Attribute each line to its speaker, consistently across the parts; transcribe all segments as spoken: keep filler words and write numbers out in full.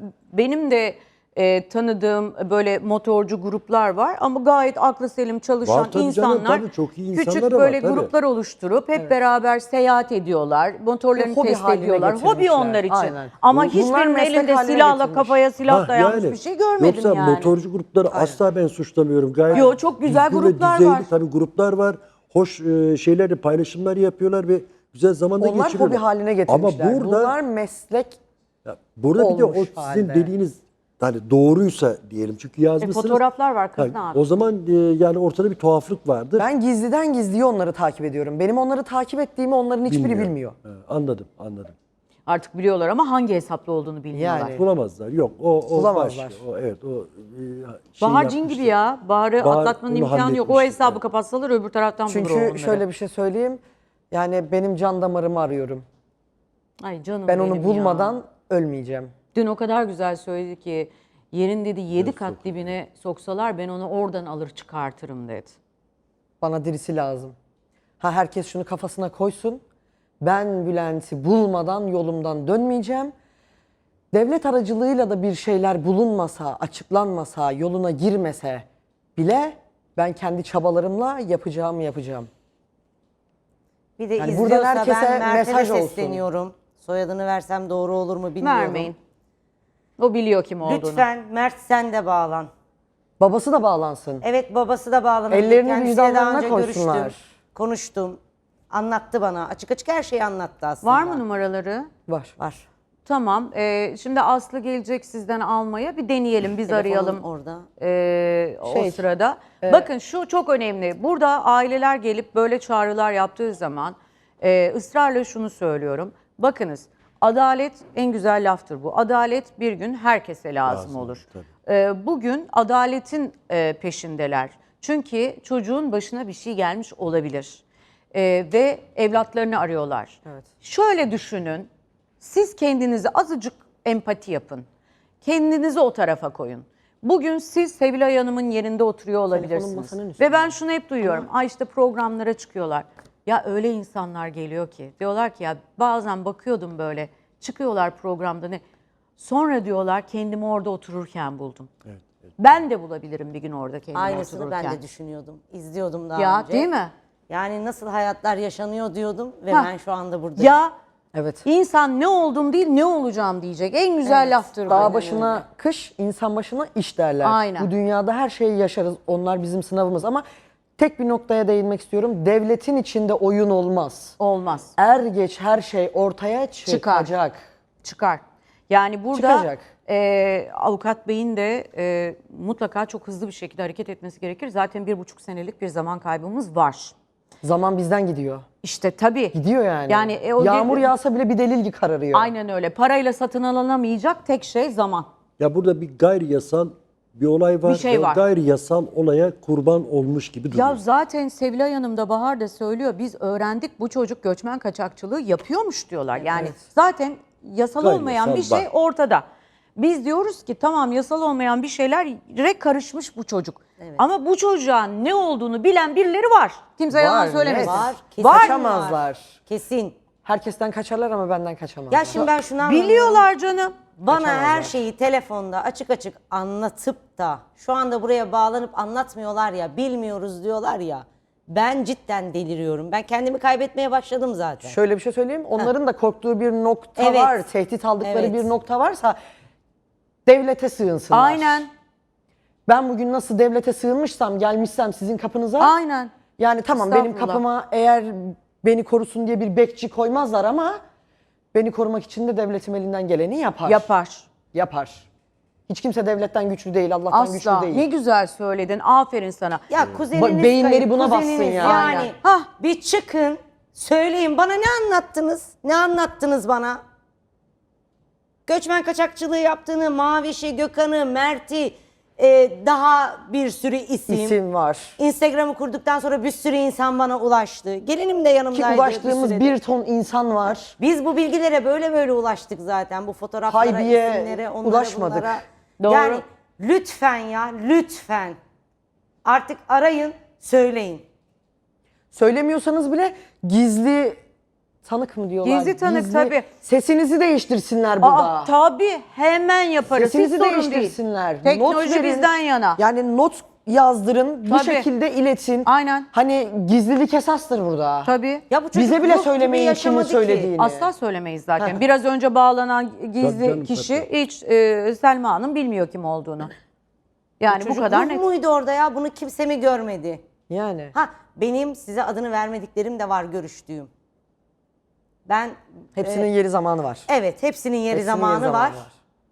Speaker 1: benim de e, tanıdığım böyle motorcu gruplar var ama gayet aklı selim çalışan
Speaker 2: Var tabii canım,
Speaker 1: insanlar
Speaker 2: tabii çok iyi
Speaker 1: küçük
Speaker 2: insanlar
Speaker 1: böyle
Speaker 2: var, tabii.
Speaker 1: gruplar oluşturup hep beraber seyahat ediyorlar. Motorlarını
Speaker 3: Hobi
Speaker 1: test
Speaker 3: haline
Speaker 1: ediyorlar. Hobi
Speaker 3: getirmişler.
Speaker 1: onlar için.
Speaker 3: Aynen.
Speaker 1: Ama
Speaker 3: Bunlar
Speaker 1: hiçbirinin
Speaker 3: meslek
Speaker 1: elinde
Speaker 3: haline
Speaker 1: silahla
Speaker 3: getirmiş.
Speaker 1: kafaya silah
Speaker 2: Ha,
Speaker 1: dayanmış
Speaker 2: yani.
Speaker 1: bir şey görmedim
Speaker 2: Yoksa
Speaker 1: yani.
Speaker 2: motorcu grupları asla ben suçlamıyorum. Gayet
Speaker 1: Yo, çok güzel
Speaker 2: düzgün ve
Speaker 1: gruplar
Speaker 2: düzeyli
Speaker 1: var.
Speaker 2: Tabii gruplar var. Hoş e, şeyleri, paylaşımlar yapıyorlar ve güzel zaman da
Speaker 3: Onlar
Speaker 2: geçiriyorlar.
Speaker 3: hobi haline getirmişler.
Speaker 2: Ama burada,
Speaker 3: Bunlar meslek
Speaker 2: ya burada bir de o
Speaker 3: olmuş
Speaker 2: sizin
Speaker 3: halde.
Speaker 2: dediğiniz hani doğruysa diyelim. Çünkü
Speaker 1: E,
Speaker 2: yazmışsınız.
Speaker 1: fotoğraflar var kız
Speaker 2: Ha,
Speaker 1: ne yapıyor?
Speaker 2: O zaman e, yani ortada bir tuhaflık vardır.
Speaker 3: Ben gizliden gizliye onları takip ediyorum. Benim onları takip ettiğimi onların hiçbiri
Speaker 2: Bilmiyorum.
Speaker 3: bilmiyor.
Speaker 2: Ha, anladım, anladım.
Speaker 1: Artık biliyorlar ama hangi hesaplı olduğunu bilmiyorlar.
Speaker 3: Yani.
Speaker 2: Bulamazlar. Yok o o
Speaker 3: Bulamazlar.
Speaker 2: baş. O, evet o e, şey
Speaker 1: Bahar cin
Speaker 2: yapmıştır.
Speaker 1: gibi ya. Bahar'ı
Speaker 2: Bahar
Speaker 1: atlatmanın
Speaker 2: onu
Speaker 1: imkanı yok. O
Speaker 2: halletmiştir,
Speaker 1: hesabı
Speaker 2: evet.
Speaker 1: kapatsalar öbür taraftan bulur o
Speaker 3: Çünkü
Speaker 1: onları.
Speaker 3: şöyle bir şey söyleyeyim. Yani benim can damarımı arıyorum.
Speaker 1: Ay canım
Speaker 3: Ben
Speaker 1: benim
Speaker 3: onu
Speaker 1: ya.
Speaker 3: bulmadan ölmeyeceğim.
Speaker 1: Dün o kadar güzel söyledi ki yerin dedi yedi kat dibine soksalar ben onu oradan alır çıkartırım dedi.
Speaker 3: Bana dirisi lazım. Ha herkes şunu kafasına koysun. Ben Bülent'i bulmadan yolumdan dönmeyeceğim. Devlet aracılığıyla da bir şeyler bulunmasa, açıklanmasa, yoluna girmese bile ben kendi çabalarımla yapacağımı yapacağım.
Speaker 4: Bir de
Speaker 3: Yani
Speaker 4: izliyorsa
Speaker 3: buradan herkese
Speaker 4: ben Mert'e
Speaker 3: mesaj
Speaker 4: de
Speaker 3: olsun.
Speaker 4: sesleniyorum. Soyadını versem doğru olur mu bilmiyorum.
Speaker 1: Vermeyin. O biliyor kim olduğunu.
Speaker 4: Lütfen Mert sen de bağlan.
Speaker 3: Babası da bağlansın.
Speaker 4: Evet babası da bağlanabilir.
Speaker 3: Ellerini
Speaker 4: Kendisiyle daha
Speaker 3: vicdanlarına
Speaker 4: önce
Speaker 3: koysunlar.
Speaker 4: görüştüm, konuştum. Anlattı bana. Açık açık her şeyi anlattı aslında.
Speaker 1: Var mı numaraları?
Speaker 3: Var.
Speaker 4: Var.
Speaker 1: Tamam. Ee, şimdi Aslı gelecek sizden almaya. Bir deneyelim. Biz
Speaker 4: Telefonum
Speaker 1: arayalım.
Speaker 4: orada.
Speaker 1: Ee, o
Speaker 3: Şey,
Speaker 1: sırada. Bakın şu çok önemli. Burada aileler gelip böyle çağrılar yaptığı zaman e, ısrarla şunu söylüyorum. Bakınız adalet en güzel laftır bu. Adalet bir gün herkese lazım,
Speaker 2: Lazım,
Speaker 1: olur.
Speaker 2: tabii.
Speaker 1: Ee, bugün adaletin e, peşindeler. Çünkü çocuğun başına bir şey gelmiş olabilir. Ee, ve evlatlarını arıyorlar.
Speaker 3: Evet.
Speaker 1: Şöyle düşünün. Siz kendinize azıcık empati yapın. Kendinizi o tarafa koyun. Bugün siz Sevilay Hanım'ın yerinde oturuyor olabilirsiniz.
Speaker 3: masanın üstünde.
Speaker 1: Ve ben şunu hep duyuyorum. Ay işte programlara çıkıyorlar. Ya öyle insanlar geliyor ki. Diyorlar ki ya bazen bakıyordum böyle. Çıkıyorlar programda ne. Sonra diyorlar kendimi orada otururken buldum.
Speaker 2: Evet, evet.
Speaker 1: Ben de bulabilirim bir gün orada kendimi
Speaker 4: Aynısını
Speaker 1: otururken.
Speaker 4: ben de düşünüyordum. İzliyordum daha
Speaker 1: Ya
Speaker 4: önce.
Speaker 1: değil mi?
Speaker 4: Yani nasıl hayatlar yaşanıyor diyordum ve
Speaker 1: Ha.
Speaker 4: ben şu anda buradayım.
Speaker 1: Ya
Speaker 3: Evet.
Speaker 1: insan ne oldum değil ne olacağım diyecek. En güzel
Speaker 4: Evet.
Speaker 1: laftır bu.
Speaker 3: Dağ başına kış, insan başına iş derler.
Speaker 1: Aynen.
Speaker 3: Bu dünyada her şeyi yaşarız. Onlar bizim sınavımız ama tek bir noktaya değinmek istiyorum. Devletin içinde oyun olmaz.
Speaker 1: Olmaz.
Speaker 3: Er geç her şey ortaya çıkacak.
Speaker 1: Çıkar. Yani burada
Speaker 3: Çıkacak.
Speaker 1: e, avukat beyin de e, mutlaka çok hızlı bir şekilde hareket etmesi gerekir. Zaten bir buçuk senelik bir zaman kaybımız var.
Speaker 3: Zaman bizden gidiyor.
Speaker 1: İşte tabii.
Speaker 3: Gidiyor yani.
Speaker 1: Yani e, o
Speaker 3: Yağmur
Speaker 1: de-
Speaker 3: yağsa bile bir delil kararıyor.
Speaker 1: Aynen öyle. Parayla satın alınamayacak tek şey zaman.
Speaker 2: Ya burada bir gayri yasal bir olay var.
Speaker 1: Bir şey
Speaker 2: ve
Speaker 1: var.
Speaker 2: Gayri yasal olaya kurban olmuş gibi duruyor.
Speaker 1: Ya zaten Sevilay Hanım da Bahar da söylüyor. Biz öğrendik bu çocuk göçmen kaçakçılığı yapıyormuş diyorlar. Yani zaten yasal
Speaker 2: Gayri
Speaker 1: olmayan
Speaker 2: yasal
Speaker 1: bir şey
Speaker 2: var.
Speaker 1: ortada. Biz diyoruz ki tamam yasal olmayan bir şeylere karışmış bu çocuk. Ama bu çocuğun ne olduğunu bilen birileri var. Kimse
Speaker 3: Var,
Speaker 1: yalan
Speaker 3: net.
Speaker 1: söylemesin.
Speaker 4: Var. Kesin
Speaker 1: Var.
Speaker 3: Kaçamazlar.
Speaker 4: Kesin.
Speaker 3: Herkesten kaçarlar ama benden kaçamazlar.
Speaker 4: Ya şimdi ben şunu anlamıyorum.
Speaker 1: Biliyorlar canım.
Speaker 4: Bana her şeyi telefonda açık açık anlatıp da şu anda buraya bağlanıp anlatmıyorlar ya, bilmiyoruz diyorlar ya. Ben cidden deliriyorum. Ben kendimi kaybetmeye başladım zaten.
Speaker 3: Şöyle bir şey söyleyeyim. Onların da korktuğu bir nokta
Speaker 4: Evet.
Speaker 3: var. Tehdit aldıkları
Speaker 4: Evet.
Speaker 3: bir nokta varsa devlete sığınsınlar.
Speaker 1: Aynen.
Speaker 3: Ben bugün nasıl devlete sığınmışsam, gelmişsem sizin kapınıza.
Speaker 1: Aynen.
Speaker 3: Yani tamam benim
Speaker 1: Estağfurullah.
Speaker 3: kapıma eğer beni korusun diye bir bekçi koymazlar ama beni korumak için de devletim elinden geleni yapar.
Speaker 1: Yapar.
Speaker 3: Yapar. Hiç kimse devletten güçlü değil, Allah'tan güçlü
Speaker 1: Asla.
Speaker 3: değil.
Speaker 1: Ne güzel söyledin. Aferin sana.
Speaker 4: Ya kuzeniniz
Speaker 3: beyinleri
Speaker 4: kayıp,
Speaker 3: buna bassın
Speaker 4: kuzeniniz
Speaker 3: ya.
Speaker 4: Yani
Speaker 1: Aynen. Hah.
Speaker 4: bir çıkın, söyleyin bana ne anlattınız? Ne anlattınız bana? Göçmen kaçakçılığı yaptığını, Maviş'i, Gökhan'ı, Mert'i, e, daha bir sürü isim.
Speaker 3: İsim var.
Speaker 4: Instagram'ı kurduktan sonra bir sürü insan bana ulaştı. Gelinim de yanımdaydı.
Speaker 3: Ki ulaştığımız
Speaker 4: süredir.
Speaker 3: bir ton insan var.
Speaker 4: Biz bu bilgilere böyle böyle ulaştık zaten. Bu fotoğraflara,
Speaker 3: Haybiye
Speaker 4: isimlere, onlara,
Speaker 3: ulaşmadık.
Speaker 4: bunlara.
Speaker 1: Doğru.
Speaker 4: Yani lütfen ya, lütfen. Artık arayın, söyleyin.
Speaker 3: Söylemiyorsanız bile gizli tanık mı diyorlar?
Speaker 1: Gizli tanık, tabii.
Speaker 3: Sesinizi değiştirsinler burada.
Speaker 1: Aa, tabii hemen yaparız. Hiç
Speaker 3: Sesinizi
Speaker 1: sorun değil.
Speaker 3: değiştirsinler.
Speaker 1: Teknoloji
Speaker 3: Not verin.
Speaker 1: bizden yana.
Speaker 3: Yani not yazdırın, bu
Speaker 1: Tabii.
Speaker 3: şekilde iletin.
Speaker 1: Aynen.
Speaker 3: Hani gizlilik esastır burada.
Speaker 1: Tabii.
Speaker 4: Ya bu çocuk
Speaker 3: Bize bile
Speaker 4: ruh gibi
Speaker 3: söylemeyin kimin
Speaker 4: yaşamadı ki.
Speaker 3: söylediğini.
Speaker 1: Asla söylemeyiz zaten.
Speaker 3: Heh.
Speaker 1: Biraz önce bağlanan gizli
Speaker 2: Tabii canım,
Speaker 1: kişi
Speaker 2: tabii.
Speaker 1: hiç e, Selma Hanım bilmiyor kim olduğunu. Yani bu
Speaker 4: Çocuk
Speaker 1: kadar
Speaker 4: ruh
Speaker 1: net.
Speaker 4: muydu orada ya? Bunu kimse mi görmedi?
Speaker 3: Yani.
Speaker 4: Ha, benim size adını vermediklerim de var görüştüğüm. Ben
Speaker 3: Hepsinin yeri zamanı var.
Speaker 4: evet, hepsinin yeri
Speaker 3: Hepsinin
Speaker 4: zamanı,
Speaker 3: yeri
Speaker 4: var.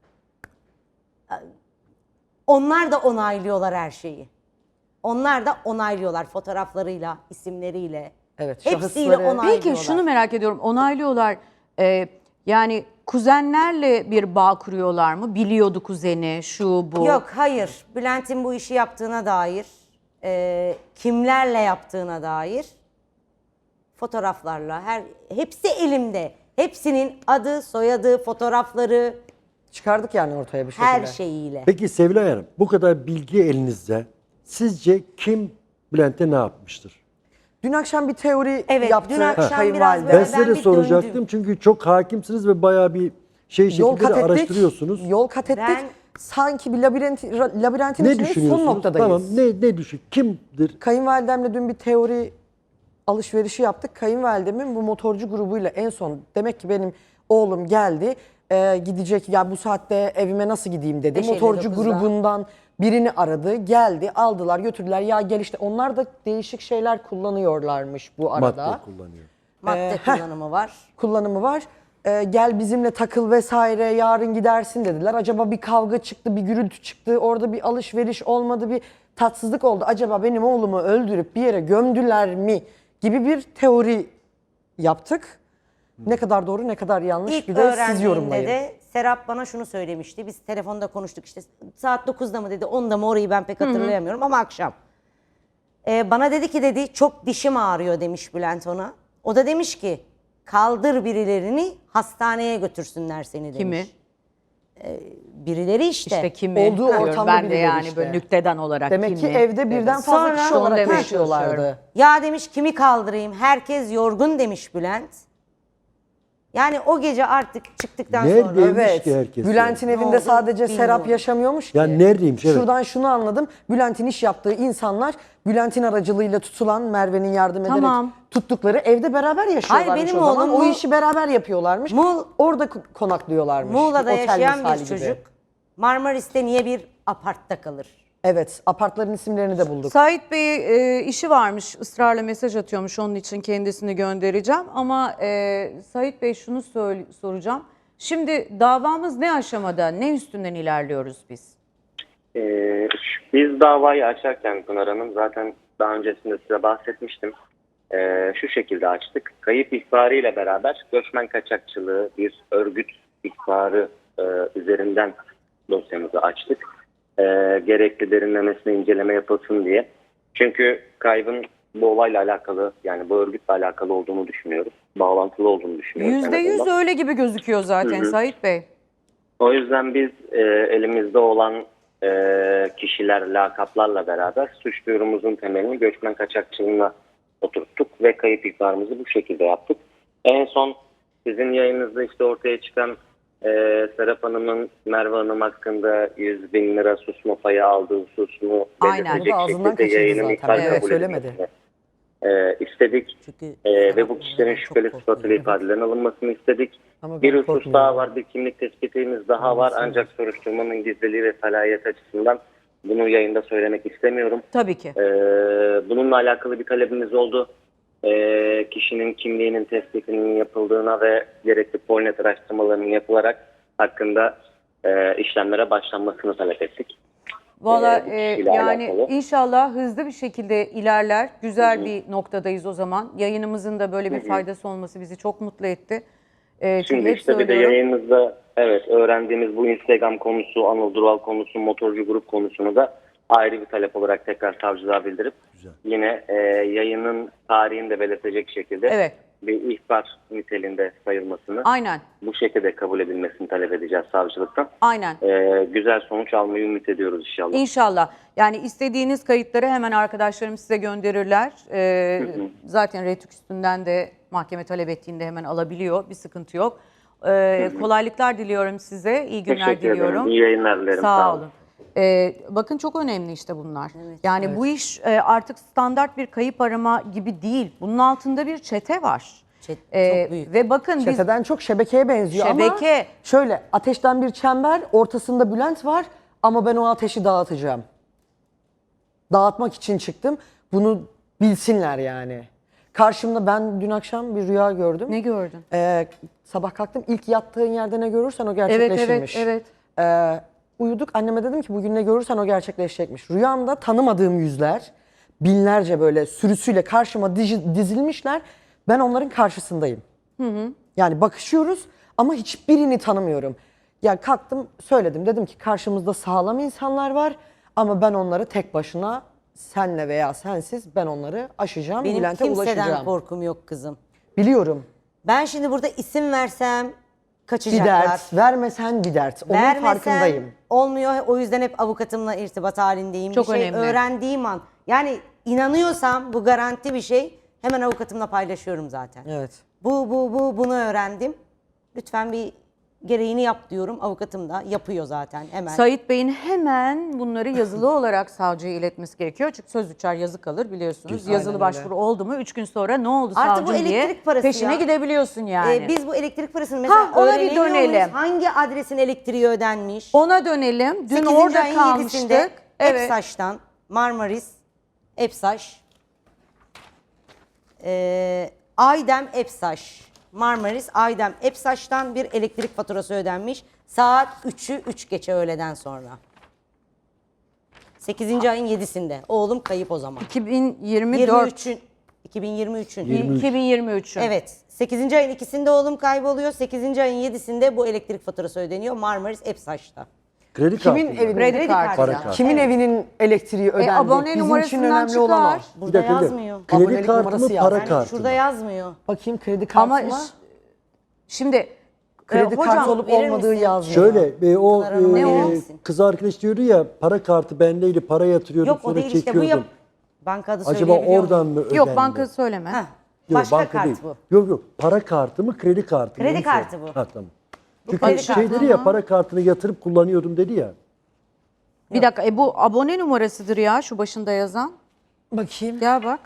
Speaker 4: Onlar da onaylıyorlar her şeyi. Onlar da onaylıyorlar fotoğraflarıyla, isimleriyle.
Speaker 3: Evet,
Speaker 4: Hepsiyle
Speaker 3: şahısları-
Speaker 4: onaylıyorlar.
Speaker 1: Peki şunu merak ediyorum. Onaylıyorlar. Ee, yani kuzenlerle bir bağ kuruyorlar mı? Biliyordu kuzeni, şu bu.
Speaker 4: Yok, hayır. Bülent'in bu işi yaptığına dair, e, kimlerle yaptığına dair fotoğraflarla, her hepsi elimde. Hepsinin adı, soyadı, fotoğrafları,
Speaker 3: Çıkardık yani ortaya bir şekilde.
Speaker 4: her şeyiyle.
Speaker 2: Peki Sevilay Hanım, bu kadar bilgi elinizde, sizce kim Bülent'e ne yapmıştır?
Speaker 3: Dün akşam bir teori
Speaker 4: Evet,
Speaker 3: yaptı
Speaker 4: dün akşam
Speaker 3: kayınvalide.
Speaker 4: biraz
Speaker 2: Ben size de
Speaker 4: bir
Speaker 2: soracaktım
Speaker 4: döndüm.
Speaker 2: çünkü çok hakimsiniz ve bayağı bir şey
Speaker 3: Yol
Speaker 2: şekilde
Speaker 3: kat
Speaker 2: de
Speaker 3: ettik.
Speaker 2: araştırıyorsunuz.
Speaker 3: Yol kat ettik.
Speaker 4: Ben-
Speaker 3: Sanki bir labirent, labirentin
Speaker 2: Ne
Speaker 3: içinde son
Speaker 2: düşünüyorsunuz?
Speaker 3: noktadayız.
Speaker 2: Tamam, ne ne düşün? Kimdir?
Speaker 3: Kayınvalidemle dün bir teori alışverişi yaptık. Kayınvalidemin bu motorcu grubuyla en son, demek ki benim oğlum geldi, e, gidecek ya bu saatte evime nasıl gideyim dedi.
Speaker 4: beş elli
Speaker 3: Motorcu
Speaker 4: dokuzda.
Speaker 3: grubundan birini aradı, geldi, aldılar, götürdüler. Ya gel işte, onlar da değişik şeyler kullanıyorlarmış bu arada.
Speaker 2: Madde kullanıyor.
Speaker 4: Madde
Speaker 3: Ee, heh.
Speaker 4: kullanımı var.
Speaker 3: Kullanımı var. Ee, gel bizimle takıl vesaire, yarın gidersin dediler. Acaba bir kavga çıktı, bir gürültü çıktı, orada bir alışveriş olmadı, bir tatsızlık oldu. Acaba benim oğlumu öldürüp bir yere gömdüler mi gibi bir teori yaptık. Ne kadar doğru, ne kadar yanlış,
Speaker 4: İlk
Speaker 3: bir de siz
Speaker 4: öğrendiğimde
Speaker 3: yorumlayın.
Speaker 4: de Serap bana şunu söylemişti. Biz telefonda konuştuk işte, saat dokuzda mı dedi, onda mı, orayı ben pek hatırlayamıyorum ama akşam. Ee, bana dedi ki dedi çok dişim ağrıyor demiş Bülent ona. O da demiş ki kaldır birilerini, hastaneye götürsünler seni demiş.
Speaker 1: Kimi?
Speaker 4: Birileri işte.
Speaker 1: İşte kimi?
Speaker 3: Olduğu
Speaker 1: Diyorum
Speaker 3: ortamda
Speaker 1: ben de
Speaker 3: birileri
Speaker 1: yani
Speaker 3: işte.
Speaker 1: böyle nükteden olarak
Speaker 3: Demek
Speaker 1: kimi?
Speaker 3: ki evde birden
Speaker 1: Evet.
Speaker 3: fazla
Speaker 4: Sonra-
Speaker 3: kişi
Speaker 1: Onu
Speaker 3: olarak
Speaker 1: demeye
Speaker 3: yaşıyorlardı.
Speaker 1: çalışıyorum.
Speaker 4: Ya demiş kimi kaldırayım, herkes yorgun demiş Bülent. Yani o gece artık çıktıktan sonra.
Speaker 2: Neredeymiş
Speaker 3: Evet.
Speaker 2: ki herkes?
Speaker 3: Bülent'in
Speaker 2: yani?
Speaker 4: Ne
Speaker 3: evinde
Speaker 4: oldu
Speaker 3: sadece
Speaker 4: bilmiyorum.
Speaker 3: Serap yaşamıyormuş ki.
Speaker 2: Yani neredeymiş, evet.
Speaker 3: Şuradan şunu anladım. Bülent'in iş yaptığı insanlar, Bülent'in aracılığıyla tutulan, Merve'nin yardım ederek
Speaker 1: Tamam.
Speaker 3: tuttukları evde beraber yaşıyorlarmış.
Speaker 4: Hayır, benim
Speaker 3: o zaman.
Speaker 4: oğlum
Speaker 3: O
Speaker 4: Mu-
Speaker 3: işi beraber yapıyorlarmış.
Speaker 4: Mu-
Speaker 3: Orada ko- konaklıyorlarmış.
Speaker 4: Muğla'da
Speaker 3: Otel
Speaker 4: yaşayan
Speaker 3: misali
Speaker 4: bir
Speaker 3: gibi.
Speaker 4: çocuk Marmaris'te niye bir apartta kalır?
Speaker 3: Evet, apartların isimlerini de bulduk.
Speaker 1: Sait Bey e, işi varmış, ısrarla mesaj atıyormuş, onun için kendisini göndereceğim. Ama e, Sait Bey şunu söyle- soracağım. Şimdi davamız ne aşamada, ne üstünden ilerliyoruz biz?
Speaker 5: Ee, biz davayı açarken Pınar Hanım, zaten daha öncesinde size bahsetmiştim. Ee, şu şekilde açtık. Kayıp ihbarıyla beraber göçmen kaçakçılığı bir örgüt ihbarı e, üzerinden dosyamızı açtık. Ee, gerekli derinlemesine inceleme yapılsın diye. Çünkü kaybın bu olayla alakalı, yani bu örgütle alakalı olduğunu düşünüyoruz. Bağlantılı olduğunu düşünüyoruz.
Speaker 1: Yüzde
Speaker 5: en
Speaker 1: yüz
Speaker 5: azından.
Speaker 1: öyle gibi gözüküyor zaten
Speaker 5: Hı hı.
Speaker 1: Sait Bey.
Speaker 5: O yüzden biz e, elimizde olan e, kişiler, lakaplarla beraber suç duyurumuzun temelini göçmen kaçakçılığına oturttuk ve kayıp ihbarımızı bu şekilde yaptık. En son sizin yayınınızda işte ortaya çıkan e, Serap Hanım'ın Merve Hanım hakkında yüz bin lira susma payı aldığı hususunu
Speaker 1: Aynen.
Speaker 5: belirtecek
Speaker 3: Bu da ağzından
Speaker 5: şekilde
Speaker 3: kaçırdı
Speaker 5: yayının
Speaker 3: zaten.
Speaker 5: iptal
Speaker 3: Evet,
Speaker 5: kabul
Speaker 3: söylemedi.
Speaker 5: edilmesini e, istedik.
Speaker 4: Çünkü
Speaker 5: Ee, ve
Speaker 4: Serap
Speaker 5: bu kişilerin
Speaker 4: çok
Speaker 5: şüpheli
Speaker 4: korktu.
Speaker 5: sıfatıyla ifadelerin alınmasını istedik.
Speaker 3: Ama
Speaker 5: Bir
Speaker 3: ben
Speaker 5: husus
Speaker 3: korkmuyorum.
Speaker 5: daha var, bir kimlik tespitimiz daha var. Ancak soruşturmanın gizliliği ve salayet açısından bunu yayında söylemek istemiyorum.
Speaker 1: Tabii ki.
Speaker 5: Ee, bununla alakalı bir talebimiz oldu. Ee, kişinin kimliğinin tespitinin yapıldığına ve gerekli polnet araştırmalarının yapılarak hakkında e, işlemlere başlanmasını talep ettik.
Speaker 1: Valla
Speaker 5: Ee, bu
Speaker 1: e,
Speaker 5: kişiyle
Speaker 1: yani
Speaker 5: alakalı.
Speaker 1: inşallah hızlı bir şekilde ilerler. Güzel bir noktadayız o zaman. Yayınımızın da böyle bir faydası olması bizi çok mutlu etti. E, çünkü
Speaker 5: Şimdi
Speaker 1: hep
Speaker 5: işte bir de
Speaker 1: söylüyorum.
Speaker 5: yayınımızda evet öğrendiğimiz bu Instagram konusu, Anıl Dural konusu, motorcu grup konusunu da ayrı bir talep olarak tekrar savcılığa bildirip yine e, yayının tarihini de belirtecek şekilde
Speaker 1: Evet.
Speaker 5: bir ihbar niteliğinde sayılmasını,
Speaker 1: Aynen.
Speaker 5: bu şekilde kabul edilmesini talep edeceğiz savcılıktan.
Speaker 1: Aynen.
Speaker 5: Ee, güzel sonuç almayı ümit ediyoruz inşallah.
Speaker 1: İnşallah. Yani istediğiniz kayıtları hemen arkadaşlarım size gönderirler. Ee, zaten Retük üstünden de mahkeme talep ettiğinde hemen alabiliyor. Bir sıkıntı yok. Ee, kolaylıklar diliyorum size. İyi günler
Speaker 5: Teşekkür
Speaker 1: diliyorum.
Speaker 5: ederim. İyi yayınlar dilerim.
Speaker 1: Sağ olun. Ee, bakın çok önemli işte bunlar. Yani bu iş e, artık standart bir kayıp arama gibi değil. Bunun altında bir çete var.
Speaker 4: Çet-
Speaker 1: Ee,
Speaker 4: çok büyük.
Speaker 1: Ve bakın biz
Speaker 3: Çeteden çok şebekeye benziyor ama
Speaker 1: Şebeke.
Speaker 3: şöyle ateşten bir çember, ortasında Bülent var ama ben o ateşi dağıtacağım. Dağıtmak için çıktım. Bunu bilsinler yani. Karşımda ben dün akşam bir rüya gördüm.
Speaker 1: ne gördün?
Speaker 3: Ee, sabah kalktım, ilk yattığın yerde ne görürsen o
Speaker 1: Evet
Speaker 3: gerçekleşirmiş.
Speaker 1: evet evet.
Speaker 3: Ee, uyuduk, anneme dedim ki bugün ne görürsen o gerçekleşecekmiş. Rüyamda tanımadığım yüzler binlerce böyle sürüsüyle karşıma dizi- dizilmişler. Ben onların karşısındayım. Yani bakışıyoruz ama hiçbirini tanımıyorum. Ya kalktım söyledim, dedim ki karşımızda sağlam insanlar var ama ben onları tek başına, senle veya sensiz ben onları aşacağım,
Speaker 4: Benim
Speaker 3: Bülent'e
Speaker 4: kimseden
Speaker 3: ulaşacağım.
Speaker 4: korkum yok kızım.
Speaker 3: Biliyorum.
Speaker 4: Ben şimdi burada isim versem
Speaker 3: Bir
Speaker 4: kaçacaklar.
Speaker 3: dert, vermesen bir dert. Onun
Speaker 4: Vermesem
Speaker 3: farkındayım.
Speaker 4: olmuyor. O yüzden hep avukatımla irtibat halindeyim.
Speaker 1: Çok
Speaker 4: bir şey
Speaker 1: önemli.
Speaker 4: öğrendiğim an. Yani inanıyorsam bu garanti bir şey. Hemen avukatımla paylaşıyorum zaten.
Speaker 3: Evet.
Speaker 4: Bu bu bu bunu öğrendim. Lütfen bir gereğini yap diyorum. Avukatım da yapıyor zaten hemen.
Speaker 1: Sait Bey'in hemen bunları yazılı olarak savcıya iletmesi gerekiyor. Çünkü söz uçar yazı kalır biliyorsunuz.
Speaker 3: Aynen
Speaker 1: Yazılı
Speaker 3: öyle.
Speaker 1: başvuru oldu mu üç gün sonra ne oldu
Speaker 4: Artık bu
Speaker 1: savcım diye
Speaker 4: elektrik parası
Speaker 1: peşine
Speaker 4: ya.
Speaker 1: gidebiliyorsun yani.
Speaker 4: Ee, biz bu elektrik parasını mesela
Speaker 1: Ha, ona bir
Speaker 4: öğreniyor
Speaker 1: dönelim.
Speaker 4: muyuz? Hangi adresin elektriği ödenmiş?
Speaker 1: Ona dönelim. Dün
Speaker 4: sekizinci
Speaker 1: orada
Speaker 4: ayın
Speaker 1: kalmıştık.
Speaker 4: yedisinde
Speaker 1: Evet.
Speaker 4: Epsaş'tan Marmaris, Epsaş, e, Aydem Epsaş, Marmaris, Aydem Epsaş'tan bir elektrik faturası ödenmiş. Saat üçü üç geçe öğleden sonra. sekizinci ayın yedisinde. Oğlum kayıp o zaman.
Speaker 1: iki bin yirmi dört.
Speaker 4: yirmi üçün, iki bin yirmi üçün.
Speaker 1: iki bin yirmi üçün.
Speaker 4: Evet. sekizinci ayın ikisinde oğlum kayboluyor. sekizinci ayın yedisinde bu elektrik faturası ödeniyor. Marmaris Epsaş'ta.
Speaker 2: Kredi
Speaker 3: Kimin
Speaker 2: kartı mı?
Speaker 3: evinin,
Speaker 1: Kredi kartı.
Speaker 2: Para
Speaker 4: ya.
Speaker 2: kartı.
Speaker 3: kimin evinin elektriği ödendi?
Speaker 1: abone
Speaker 3: Bizim için
Speaker 1: numarasından
Speaker 3: önemli olan o.
Speaker 1: çıkar.
Speaker 4: Burada
Speaker 2: Bir dakika, bir dakika.
Speaker 4: yazmıyor.
Speaker 2: Kredi
Speaker 3: Abonelik
Speaker 2: kartı
Speaker 3: numarası
Speaker 2: mı
Speaker 3: yaz.
Speaker 2: para
Speaker 3: Yani
Speaker 2: kartı
Speaker 4: Şurada
Speaker 2: mı?
Speaker 4: yazmıyor.
Speaker 3: Bakayım kredi kartı
Speaker 1: Ama
Speaker 3: mı?
Speaker 1: ş- şimdi
Speaker 3: Kredi
Speaker 1: e, hocam
Speaker 3: kartı olup
Speaker 4: verir
Speaker 3: olmadığı
Speaker 4: misin?
Speaker 3: yazmıyor.
Speaker 2: Şöyle e, o
Speaker 4: Pınar Hanım,
Speaker 2: e,
Speaker 4: ne o?
Speaker 2: kız arkadaş diyordu ya para kartı bendeydi, para yatırıyordum
Speaker 4: Yok o
Speaker 2: sonra
Speaker 4: değil işte bu
Speaker 2: çekiyordum.
Speaker 4: yap. Banka adı
Speaker 2: Acaba
Speaker 4: söyleyebiliyor
Speaker 2: oradan
Speaker 4: muyum?
Speaker 2: mı ödendi?
Speaker 1: yok banka söyleme.
Speaker 4: Heh,
Speaker 2: Yok,
Speaker 4: başka
Speaker 2: banka
Speaker 4: kart
Speaker 2: değil.
Speaker 4: bu.
Speaker 2: Yok yok para kartı mı kredi kartı mı?
Speaker 4: Kredi
Speaker 2: Onu
Speaker 4: kartı
Speaker 2: sor.
Speaker 4: bu.
Speaker 2: Ha tamam. Çünkü
Speaker 4: kredi
Speaker 2: şey
Speaker 4: kartı.
Speaker 2: dedi ya para kartını yatırıp kullanıyordum dedi ya.
Speaker 1: Bir dakika e, bu abone numarasıdır ya şu başında yazan.
Speaker 3: Bakayım.
Speaker 1: Gel bak.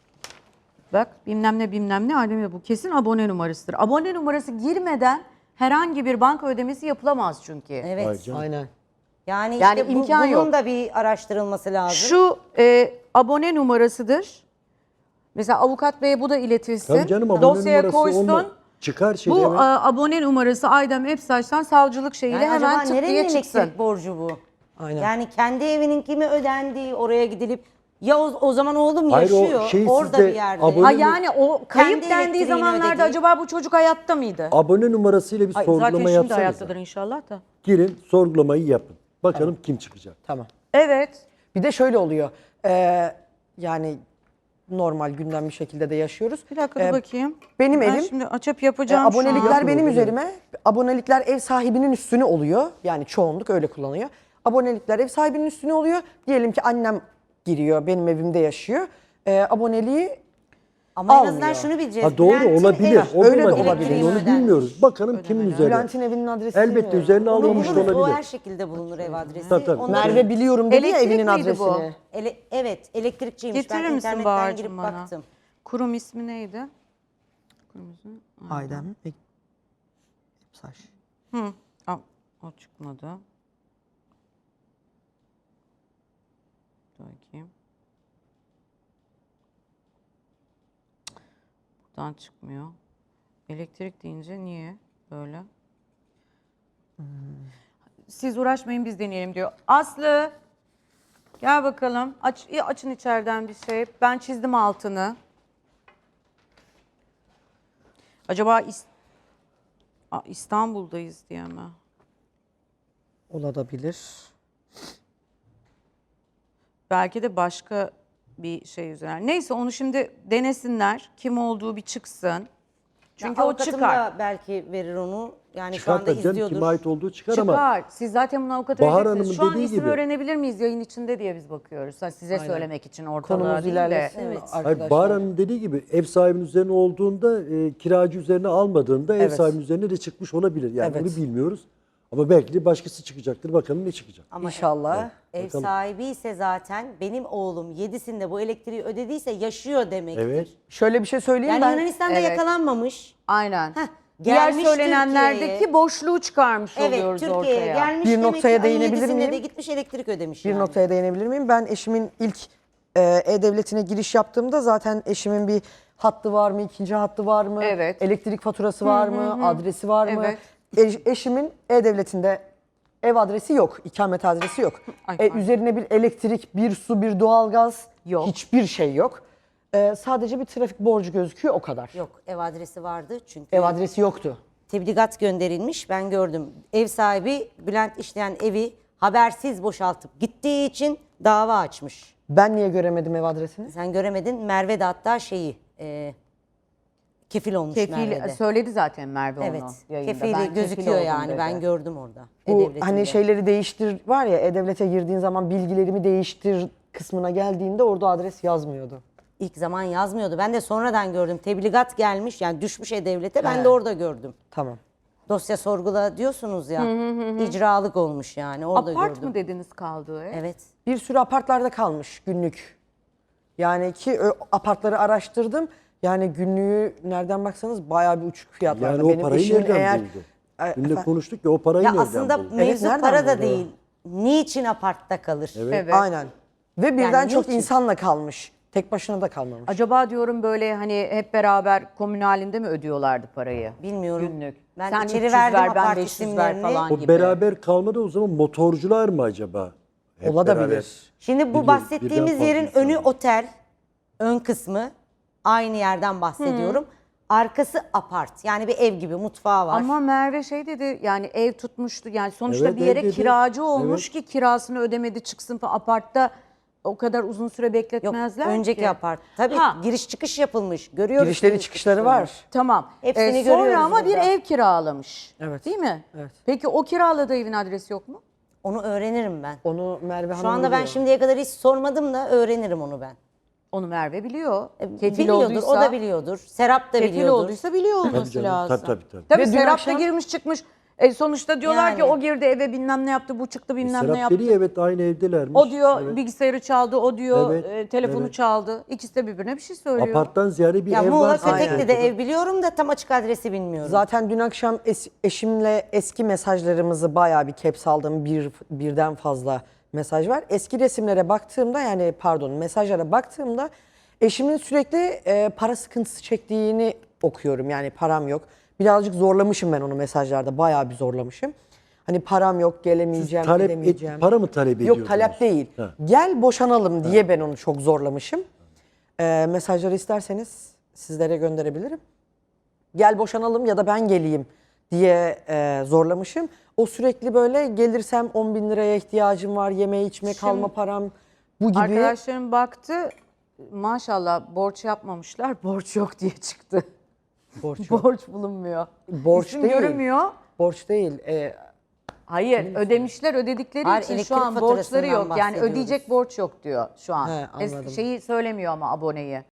Speaker 1: Bak bilmem ne bilmem ne Adem bu kesin abone numarasıdır. Abone numarası girmeden herhangi bir banka ödemesi yapılamaz çünkü.
Speaker 2: Vay
Speaker 4: Evet.
Speaker 2: canım.
Speaker 3: Aynen.
Speaker 4: Yani,
Speaker 1: Yani
Speaker 4: işte bu-
Speaker 1: imkan
Speaker 4: bunun
Speaker 1: yok.
Speaker 4: da bir araştırılması lazım.
Speaker 1: Şu e, abone numarasıdır. Mesela avukat beye bu da iletilsin.
Speaker 2: Tabii canım abone
Speaker 1: Dosyaya
Speaker 2: numarası
Speaker 1: koysun.
Speaker 2: olma- çıkar şey
Speaker 1: Bu
Speaker 2: evet.
Speaker 1: e, abone numarası Aydem Epsaç'tan savcılık şeyiyle
Speaker 4: yani
Speaker 1: hemen
Speaker 4: acaba
Speaker 1: tık
Speaker 4: nerenin
Speaker 1: diye
Speaker 4: elektrik
Speaker 1: çıksın.
Speaker 4: borcu bu?
Speaker 3: Aynen.
Speaker 4: Yani kendi evininki mi ödendi oraya gidilip ya o, o zaman oğlum
Speaker 2: Hayır, o
Speaker 4: yaşıyor
Speaker 2: şey
Speaker 4: orada
Speaker 2: sizde
Speaker 4: bir yerde.
Speaker 2: abone-
Speaker 1: Ha yani o kayıp
Speaker 4: Kendi
Speaker 1: dendiği
Speaker 4: elektriğini
Speaker 1: zamanlarda
Speaker 4: ödediği-
Speaker 1: acaba bu çocuk hayatta mıydı?
Speaker 2: Abone numarasıyla bir
Speaker 1: Ay, zaten
Speaker 2: sorgulama
Speaker 1: şimdi
Speaker 2: yapsanız.
Speaker 1: hayattadır inşallah da.
Speaker 2: Girin sorgulamayı yapın. Bakalım kim çıkacak.
Speaker 3: Tamam.
Speaker 1: Evet.
Speaker 3: Bir de şöyle oluyor. Ee, yani normal gündem bir şekilde de yaşıyoruz.
Speaker 1: Bir dakika dur
Speaker 3: Ee,
Speaker 1: bakayım.
Speaker 3: Benim
Speaker 1: ben
Speaker 3: evim
Speaker 1: şimdi açıp
Speaker 3: e,
Speaker 1: yapacağım şu an.
Speaker 3: abonelikler
Speaker 2: Yapın
Speaker 3: benim
Speaker 2: o,
Speaker 3: üzerime. Abonelikler ev sahibinin üstüne oluyor. Yani çoğunluk öyle kullanıyor. Abonelikler ev sahibinin üstüne oluyor. Diyelim ki annem giriyor, benim evimde yaşıyor. Ee, aboneliği
Speaker 4: Ama en
Speaker 3: almıyor.
Speaker 4: azından şunu bileceğiz.
Speaker 2: Ha doğru
Speaker 4: Bülent'in
Speaker 2: olabilir.
Speaker 4: ev-
Speaker 2: O da
Speaker 3: öyle de
Speaker 2: olabilir.
Speaker 3: olabilir.
Speaker 2: Şimdi onu
Speaker 4: Ödenmiş.
Speaker 2: bilmiyoruz. Bakalım kimin üzerine.
Speaker 3: Bülent'in evinin adresi
Speaker 2: Elbette
Speaker 3: bilmiyorum.
Speaker 2: üzerine
Speaker 4: Onu
Speaker 2: alınmış
Speaker 4: buluruz. O
Speaker 2: olabilir.
Speaker 4: her şekilde bulunur ev adresi.
Speaker 2: Tabii, tabii.
Speaker 4: Onu-
Speaker 3: Merve biliyorum dedi ya
Speaker 1: Elektrik
Speaker 3: evinin
Speaker 1: miydi bu?
Speaker 3: adresini.
Speaker 4: Ele- evet elektrikçiymiş.
Speaker 1: Getirir
Speaker 4: ben
Speaker 1: misin
Speaker 4: internetten
Speaker 1: Bahar'cığım
Speaker 4: girip
Speaker 1: bana?
Speaker 4: baktım.
Speaker 1: Kurum ismi neydi? Kurum ismi.
Speaker 3: Aydem. Saç.
Speaker 1: Hı. Aa, o çıkmadı. Dur bakayım. Buradan çıkmıyor. Elektrik deyince niye böyle? Siz uğraşmayın biz deneyelim diyor. Aslı gel bakalım. Aç, açın içeriden bir şey. Ben çizdim altını. Acaba İs- Aa, İstanbul'dayız diye mi?
Speaker 3: Olabilir.
Speaker 1: Belki de başka bir şey üzerine. Neyse onu şimdi denesinler. Kim olduğu bir çıksın. Çünkü
Speaker 4: Ya
Speaker 1: o
Speaker 4: avukatım
Speaker 1: çıkar.
Speaker 4: da belki verir onu. Yani şu
Speaker 2: Çıkar
Speaker 4: anda
Speaker 2: tabii canım,
Speaker 4: izliyordur.
Speaker 2: kime ait olduğu çıkar, ama
Speaker 1: Çıkar. Siz zaten bunu avukata
Speaker 2: Bahar
Speaker 1: vereceksiniz. Şu
Speaker 2: Hanım'ın
Speaker 1: an
Speaker 2: dediği
Speaker 1: isim
Speaker 2: gibi-
Speaker 1: öğrenebilir miyiz yayın içinde diye biz bakıyoruz. Ha, size
Speaker 3: Aynen.
Speaker 1: söylemek için ortalığa
Speaker 3: Konumuz
Speaker 1: değil de.
Speaker 3: ilerlesin
Speaker 4: Evet.
Speaker 3: arkadaşlar.
Speaker 2: hayır, Bahar Hanım dediği gibi ev sahibinin üzerine olduğunda, e, kiracı üzerine almadığında ev
Speaker 3: Evet.
Speaker 2: sahibinin üzerine de çıkmış olabilir. Yani
Speaker 3: Evet.
Speaker 2: bunu bilmiyoruz. Ama belki de başkası çıkacaktır. Bakalım ne çıkacak.
Speaker 4: Ama
Speaker 3: İnşallah.
Speaker 4: ev
Speaker 2: Bakalım.
Speaker 4: sahibi ise zaten benim oğlum yedisinde bu elektriği ödediyse yaşıyor demektir.
Speaker 2: Evet.
Speaker 3: Şöyle bir şey söyleyeyim
Speaker 4: Yani
Speaker 3: ben.
Speaker 4: Yunanistan'da
Speaker 1: Evet.
Speaker 4: yakalanmamış.
Speaker 1: Aynen.
Speaker 4: Heh,
Speaker 1: Diğer
Speaker 4: gelmiş
Speaker 1: söylenenlerdeki
Speaker 4: Türkiye'ye.
Speaker 1: boşluğu çıkarmış
Speaker 4: Evet,
Speaker 1: oluyoruz
Speaker 4: Türkiye'ye
Speaker 1: ortaya.
Speaker 4: gelmiş.
Speaker 3: Bir
Speaker 4: demek
Speaker 3: noktaya
Speaker 4: ki ayın
Speaker 3: değinebilir
Speaker 4: yedisinde
Speaker 3: miyim?
Speaker 4: de gitmiş elektrik ödemiş
Speaker 3: Bir
Speaker 4: yani.
Speaker 3: noktaya değinebilir miyim? Ben eşimin ilk e, E-Devleti'ne giriş yaptığımda zaten eşimin bir hattı var mı, ikinci hattı var mı,
Speaker 1: Evet.
Speaker 3: elektrik faturası var mı, adresi var mı?
Speaker 1: Evet.
Speaker 3: E- eşimin E-Devleti'nde ev adresi yok, ikamet adresi yok.
Speaker 1: Ay,
Speaker 3: E,
Speaker 1: pardon.
Speaker 3: üzerine bir elektrik, bir su, bir doğalgaz,
Speaker 1: Yok.
Speaker 3: hiçbir şey yok. E, sadece bir trafik borcu gözüküyor, o kadar.
Speaker 4: Yok, ev adresi vardı çünkü.
Speaker 3: Ev adresi yoktu.
Speaker 4: Tebligat gönderilmiş, ben gördüm. Ev sahibi Bülent işleyen evi habersiz boşaltıp gittiği için dava açmış.
Speaker 3: Ben niye göremedim ev adresini?
Speaker 4: Sen göremedin, Merve de hatta şeyi e, kefil olmuş
Speaker 1: Kefil
Speaker 4: Merve'de.
Speaker 1: söyledi zaten Merve
Speaker 4: Evet,
Speaker 1: onu yayında.
Speaker 4: kefili
Speaker 1: Ben kefil
Speaker 4: gözüküyor
Speaker 1: oldum
Speaker 4: yani,
Speaker 1: dedi.
Speaker 4: ben gördüm orada.
Speaker 3: Bu
Speaker 4: E-Devleti'nde.
Speaker 3: hani şeyleri değiştir var ya, E-Devlet'e girdiğin zaman bilgilerimi değiştir kısmına geldiğinde orada adres yazmıyordu.
Speaker 4: İlk zaman yazmıyordu. Ben de sonradan gördüm. Tebligat gelmiş yani düşmüş E-Devlet'e, ben
Speaker 3: He.
Speaker 4: de orada gördüm.
Speaker 3: Tamam.
Speaker 4: Dosya sorgula diyorsunuz ya, icralık olmuş yani, orada
Speaker 1: Apart
Speaker 4: gördüm.
Speaker 1: mı dediniz kaldığı ev?
Speaker 4: Evet.
Speaker 3: Bir sürü apartlarda kalmış günlük. Yani ki ö, apartları araştırdım. Yani günlüğü nereden baksanız bayağı bir uçuk fiyatlarda.
Speaker 2: Yani o
Speaker 3: Benim
Speaker 2: parayı
Speaker 3: eşimin
Speaker 2: nereden
Speaker 3: eğer
Speaker 2: buldu?
Speaker 3: E,
Speaker 2: Dün de
Speaker 3: efendim?
Speaker 2: konuştuk ya, o parayı
Speaker 4: Ya
Speaker 2: nereden
Speaker 4: aslında
Speaker 2: buldu?
Speaker 4: mevzu
Speaker 3: nereden
Speaker 4: para da
Speaker 3: buldu?
Speaker 4: değil. Niçin apartta kalır?
Speaker 1: Evet.
Speaker 3: Aynen. Ve birden
Speaker 4: Yani
Speaker 3: çok
Speaker 4: niçin?
Speaker 3: insanla kalmış. Tek başına da kalmamış.
Speaker 1: Acaba diyorum böyle hani hep beraber komün halinde mi ödüyorlardı parayı?
Speaker 4: Bilmiyorum.
Speaker 1: Günlük.
Speaker 4: Ben
Speaker 1: Sen
Speaker 4: içeri
Speaker 1: üç yüz
Speaker 4: verdim
Speaker 1: ver, ben
Speaker 4: apart
Speaker 1: beş yüz ver
Speaker 4: isimlerini.
Speaker 1: falan
Speaker 2: O
Speaker 1: gibi.
Speaker 2: beraber kalmadı, o zaman motorcular mı acaba? Hep
Speaker 3: Olabilir.
Speaker 2: beraber.
Speaker 4: Şimdi bu
Speaker 2: Biliyor- birden
Speaker 4: bahsettiğimiz
Speaker 2: fazla
Speaker 4: yerin
Speaker 2: insan
Speaker 4: önü
Speaker 2: var.
Speaker 4: otel, ön kısmı aynı yerden bahsediyorum. Arkası apart. Yani bir ev gibi, mutfağı var.
Speaker 1: Ama Merve şey dedi yani ev tutmuştu yani sonuçta
Speaker 2: Evet,
Speaker 1: bir yere
Speaker 2: ev dedi.
Speaker 1: kiracı olmuş
Speaker 2: Evet.
Speaker 1: ki kirasını ödemedi çıksın falan. Apartta o kadar uzun süre
Speaker 4: Yok,
Speaker 1: bekletmezler
Speaker 4: önceki
Speaker 1: ki.
Speaker 4: apart. Tabii
Speaker 1: Ha.
Speaker 4: giriş çıkış yapılmış. Görüyoruz.
Speaker 3: Girişleri
Speaker 4: giriş
Speaker 3: çıkışları
Speaker 4: çıkışlarını.
Speaker 3: var.
Speaker 1: Tamam.
Speaker 4: Hepsini
Speaker 1: Ee, sonra
Speaker 4: görüyoruz
Speaker 1: ama bir
Speaker 4: burada.
Speaker 1: ev kiralamış.
Speaker 3: Evet.
Speaker 1: Değil mi?
Speaker 3: Evet.
Speaker 1: Peki o kiraladığı evin adresi yok mu?
Speaker 4: Onu öğrenirim ben.
Speaker 3: Onu Merve Hanım
Speaker 4: Şu anda ben
Speaker 3: biliyor.
Speaker 4: şimdiye kadar hiç sormadım da öğrenirim onu ben.
Speaker 1: Onu Merve biliyor. Kefil
Speaker 4: E, Biliyordur,
Speaker 1: olduysa,
Speaker 4: o da biliyordur. Serap da
Speaker 1: kefil
Speaker 4: biliyordur.
Speaker 1: olduysa biliyor olması
Speaker 2: canım,
Speaker 1: lazım.
Speaker 2: tabii, tabii, tabii.
Speaker 1: Tabii
Speaker 3: Ve dün
Speaker 1: Serap
Speaker 3: akşam-
Speaker 1: da girmiş çıkmış. E sonuçta diyorlar ki
Speaker 4: Yani.
Speaker 1: o girdi eve bilmem ne yaptı, bu çıktı bilmem ne
Speaker 2: Serap
Speaker 1: yaptı.
Speaker 2: dedi, evet, aynı evdelermiş.
Speaker 1: O diyor
Speaker 2: Evet.
Speaker 1: bilgisayarı çaldı, o diyor
Speaker 2: Evet,
Speaker 1: e, telefonu
Speaker 2: evet.
Speaker 1: çaldı. İkisi de birbirine bir şey söylüyor.
Speaker 2: Aparttan ziyade bir
Speaker 4: Ya
Speaker 2: ev
Speaker 4: Muğla
Speaker 2: var.
Speaker 4: Kötekli'de ev biliyorum da tam açık adresi bilmiyorum.
Speaker 3: Zaten dün akşam es- eşimle eski mesajlarımızı bayağı bir caps aldım. Bir, birden fazla mesaj var. Eski resimlere baktığımda, yani pardon mesajlara baktığımda eşimin sürekli e, para sıkıntısı çektiğini okuyorum. Yani param yok. Birazcık zorlamışım ben onu mesajlarda. Bayağı bir zorlamışım. Hani param yok, gelemeyeceğim,
Speaker 2: Talep et-
Speaker 3: gidemeyeceğim.
Speaker 2: para mı talep
Speaker 3: Yok,
Speaker 2: ediyordunuz?
Speaker 3: talep değil.
Speaker 2: Ha.
Speaker 3: Gel boşanalım diye ben onu çok zorlamışım. E, mesajları isterseniz sizlere gönderebilirim. Gel boşanalım ya da ben geleyim diye e, zorlamışım. O sürekli böyle gelirsem on bin liraya ihtiyacım var, yeme içme kalma param bu gibi.
Speaker 1: Arkadaşlarım baktı maşallah borç yapmamışlar, borç yok diye çıktı.
Speaker 3: Borç yok.
Speaker 1: Borç bulunmuyor.
Speaker 3: Borç
Speaker 1: İsim
Speaker 3: değil.
Speaker 1: görünmüyor.
Speaker 3: Borç değil. E,
Speaker 1: Hayır, ödemişler ödedikleri
Speaker 4: Hayır,
Speaker 1: için şu
Speaker 4: elektrik
Speaker 1: an borçları
Speaker 4: faturasından
Speaker 1: yok. Yani
Speaker 4: bahsediyoruz.
Speaker 1: ödeyecek borç yok diyor şu an.
Speaker 3: He,
Speaker 1: Es-
Speaker 3: anladım.
Speaker 1: şeyi söylemiyor ama aboneyi.